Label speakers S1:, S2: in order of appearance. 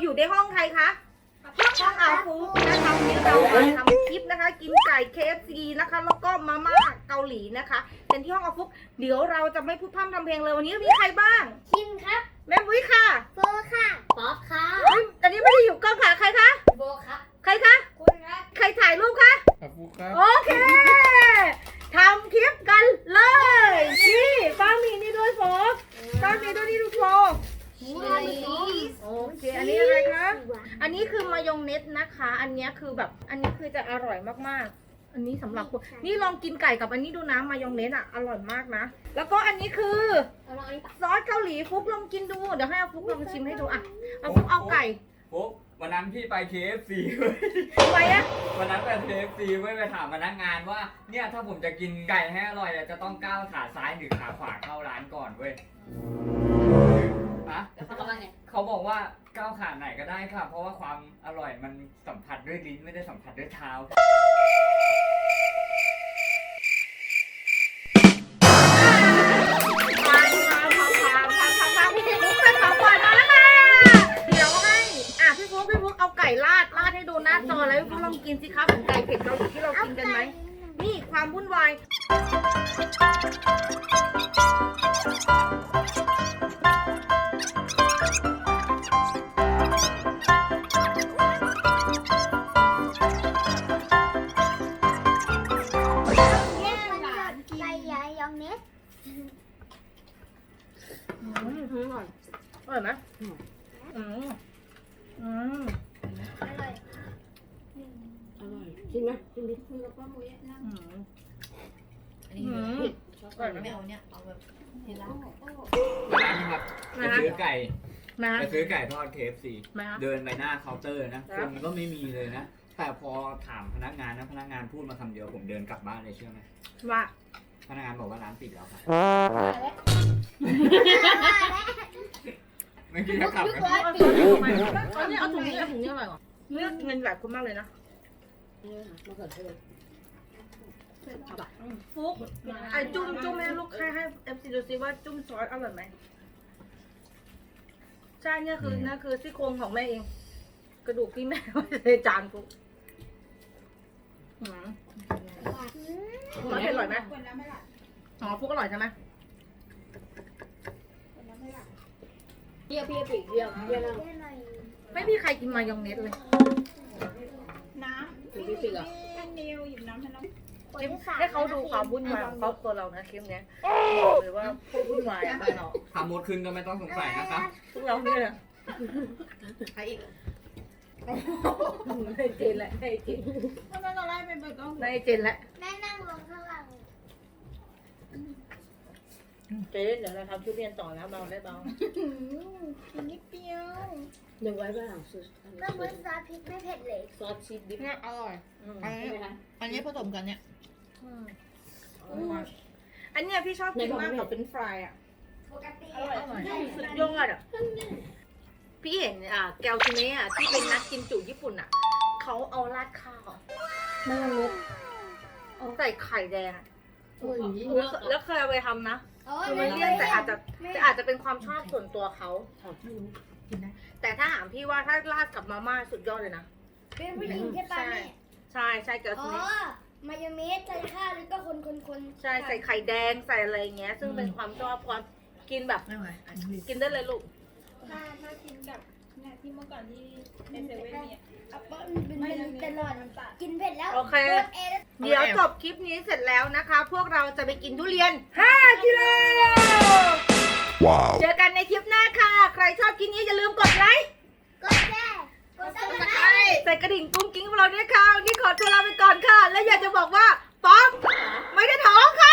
S1: อยู่ในห้องใครคะห้องอาฟุกนะคะวันนี้เราทำคลิปนะคะ กินไก่ KFC นะคะแล้วก็มาม่าเกาหลีนะคะเป็นที่ห้องอาฟุกเดี๋ยวเราจะไม่พูดพร่ำทำเพลงเลยวันนี้มีใครบ้าง
S2: คิมครับ
S1: แม่บุ้ยค่ะ
S2: โฟค่ะป๊อปค่ะ
S1: อันนี้ไม่ได้อยู่กล้องค่ะใครคะ
S2: โบครับ
S1: ใครคะ
S2: คุณครับ
S1: ใครถ่ายรูปคะ
S3: ครับฟุกครับ
S1: โอเคทำคลิปกันเลยนี่ป้ามีนี่ด้วยโฟกป้ามีด้วยนี่ดูโฟกโอเคอันนี้อะไรคะอันนี้คือมายองเนสนะคะ อันนี้คือแบบอันนี้คือจะอร่อยมากๆอันนี้สำหรับคนนี่ลองกินไก่กับอันนี้ดูนะมายองเนสอ่ะอร่อยมากนะแล้วก็อันนี้คือ
S2: เอาลองอันนี้ปะ
S1: ซอสเกาหลีฟุกลองกินดูเดี๋ยวให้เอาฟุกลองชิมให้ดูอ่ะเอาฟุกเอาไก่
S3: ฟุกวันนั้นพี่ไป KFC เว้ย
S1: ไปอะ
S3: วันนั้นไป KFC เว้ยไปถามพนักงานว่าเนี่ยถ้าผมจะกินไก่ให้อร่อยจะต้องก้าวขาซ้ายหรือขาขวาเข้าร้านก่อนเว้ยฮะ
S2: แล้วเขาบอกว่าไง
S3: เขาบอกว่าก้าวขาไหนก็ได้ค่ะ เพราะว่าความอร่อยมันสัมผัสด้วยลิ้นไม่ได้สัมผัสด้วยเท้า
S1: มาพี่ฟุกเป็นของขวัญมาแล้วค่ะเดี๋ยวให้พี่ฟุกเอาไก่ราดให้ดูหน้าจอแล้วพี่ฟุกลองกินสิคะเหมือนไก่เผ็ดเกาหลีที่เรากินกันไหมนี่ความวุ่นวาย
S2: ไก่ยายองเนส
S1: อร่อยไหมอืม
S2: อร่อย
S4: อร่อยชิมไหมชิมดิ
S2: คุยกับป้ามุ้ยนั่ง
S5: อันนี้ชอบไม่เอาเนี่ยเอาแบบทีละ
S3: วันนั้นครับไปซื้อไก่
S1: นะ
S3: ไปซื้อไก่ทอด KFC
S1: มา
S3: เดินไปหน้าเคาน์เตอร์นะ
S1: ค
S3: ครับ นก็ไม่มีเลยนะ แต่พอถามพนักงานนะพนักงานพูดมาคำเดียวผมเดินกลับบ้านเลยเชื่อไหม
S1: ว่า
S3: พนักงานบอกว่าร้านปิดแล้วครับไม่คิดจะกลับนะ
S1: เอาถุงนี้อร่อยกว่าเลือกเงินแบบคุณมากเลยนะ
S4: นี่ค่ะมะเขือเทศเอาไป
S1: ฟุกจุ่มให้ลูกให้FC ดูซิว่าจุ่มซอสอร่อยไหมใช่เนี่ยคือซี่โครงของแม่เอง กระดูกที่แม่ไว้ในจานฟุกมันอร่อยไหมอ๋อฟุกอร่อยใช่ไหม
S4: เปรี้ยวปีกเปรี้ยวแล้ว
S1: ไม่มีใครกินมายองเนสเลย
S4: ปีกอ่ะ
S1: ให้เขาดูความวุ่นวายของครอบครัวเรานะคลิปเนี้ยบอกเลยว่าพวกวุ่นวายอะบ้านเรา
S3: ทำมดขึ้นก็ไม่ต้องสงสัยนะครับ
S1: พวกเราเนี่ย
S5: ใครอีก
S1: ให้เจนแหละให้เจน
S5: ทำไมเราไล่ไปเบิกกล้อง
S1: ให้เจนแหละ
S2: แม่นั่งลงข้างหลัง
S1: เจนเดี๋ยวเราทำชุดเรียนต่อนะเบาได้เบา
S5: นิดเดียว
S4: เดี๋ยวไว้บ้างซ
S2: แม่มุ้ยซอสพริกไม่เผ็ดเลย
S4: อสชีสดิบ
S5: เนี่ยอร่อยอัน
S4: ใช่ไหมคะ
S5: นี้ผสมกันเนี่ย
S1: อันเนี้ยพี่ชอบกินมากกว่าเป็นฟรายอ่ะ
S2: ปกติ
S1: อร่อยสุดยอดอ่ะพี่เห็นแกวคิเนะที่เป็นนักกินจุญี่ปุ่นอ่ะเขาเอาราดข้าวมายองเนสเอาใส่ไข่แดงอะ
S4: โอ้ย
S1: แล้วเคยเอาไปทำนะ
S2: โอ้
S1: คือมันเลี่ยนแต่อาจจะเป็นความชอบส่วนตัวเขา
S4: ไม่รู้
S1: แต่ถ้าถามพี่ว่าถ้าราดกับมาม่าสุดยอดเลยนะ
S2: เป็นผู้หญิงใช่ป่ะแม่
S1: ใช่แกว
S2: อ๋
S1: คิ
S2: อ
S1: เนะ
S2: มายองเนสใส่ข้าวแล้วก็คน
S1: ใช่ใส่ไข่แดงใส่อะไรเงี้ย ซึ่งเป็นความชอบความกินแบบ
S5: ไม่ไหวอันนี้
S1: กินได้เลยลูก
S6: ถ้ากินกับเนี่ยที่เมื่อก่อนที่ในเซเว่นเนี่ย
S2: อัปเปิ้ลเป็นตลอดกินเผ็ดแล้ว
S1: โอเค
S2: โดนเอแล้ว
S1: เดี๋ยวจบคลิปนี้เสร็จแล้วนะคะ พวกเราจะไปกินทุเรียน 5 กิโล
S7: Wow.
S1: เจอกันในคลิปหน้าค่ะ ใครชอบคลิปนี้อย่าลืมกดไลค์
S2: กดแชร์กดซับสไครต์
S1: ใส่กระดิ่งกุ้งกิ้งของเราด้วยค่ะวันนี่ขอตัวลาไปก่อนค่ะ และอยากจะบอกว่าป๊อกไม่ได้ท้องค่ะ